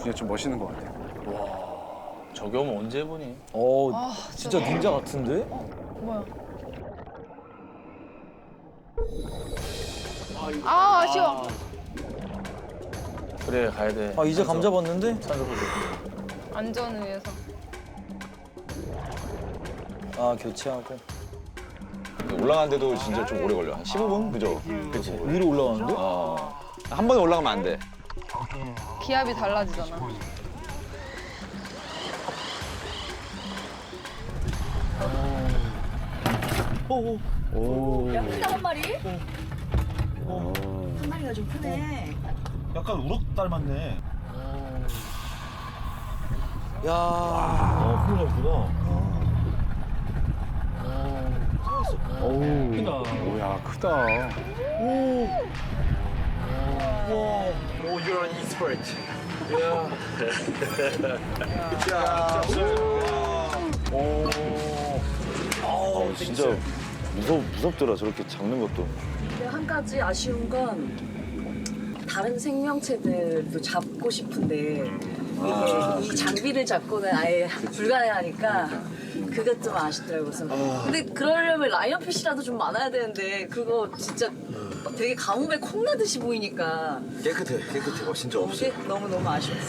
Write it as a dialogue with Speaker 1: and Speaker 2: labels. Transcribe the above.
Speaker 1: 중에 좀 멋있는 것 같아요.
Speaker 2: 저기 오면 언제 해보니?
Speaker 3: 진짜 닌자 같은데?
Speaker 4: 뭐야? 아, 아쉬워.
Speaker 2: 그래 가야 돼.
Speaker 3: 아 이제 감 잡았는데?
Speaker 4: 안전을 위해서.
Speaker 3: 아 교체하고
Speaker 5: 올라가는데도 진짜 좀 오래 걸려. 한 15분? 그죠? 그치.
Speaker 3: 위로 올라가는데?
Speaker 5: 한 번에 올라가면 안 돼.
Speaker 4: 기압이 달라지잖아.
Speaker 6: 야, 크다 한 마리? 한 마리가 좀 크네.
Speaker 7: 약간 우럭 닮았네.
Speaker 3: 야
Speaker 7: 큰일 났구나.
Speaker 1: 오야 크다.
Speaker 7: you're an expert.
Speaker 5: 진짜 무섭더라, 저렇게 잡는 것도.
Speaker 6: 근데 한 가지 아쉬운 건 다른 생명체들도 잡고 싶은데 이 장비를 잡고는 아예 불가능하니까 그것 좀 아쉽더라고요. 그래서 근데 그러려면 라이언피쉬라도 좀 많아야 되는데 그거 진짜 되게 가뭄에 콩나듯이 보이니까
Speaker 7: 깨끗해. 진짜 없어.
Speaker 6: 너무너무 아쉬웠어.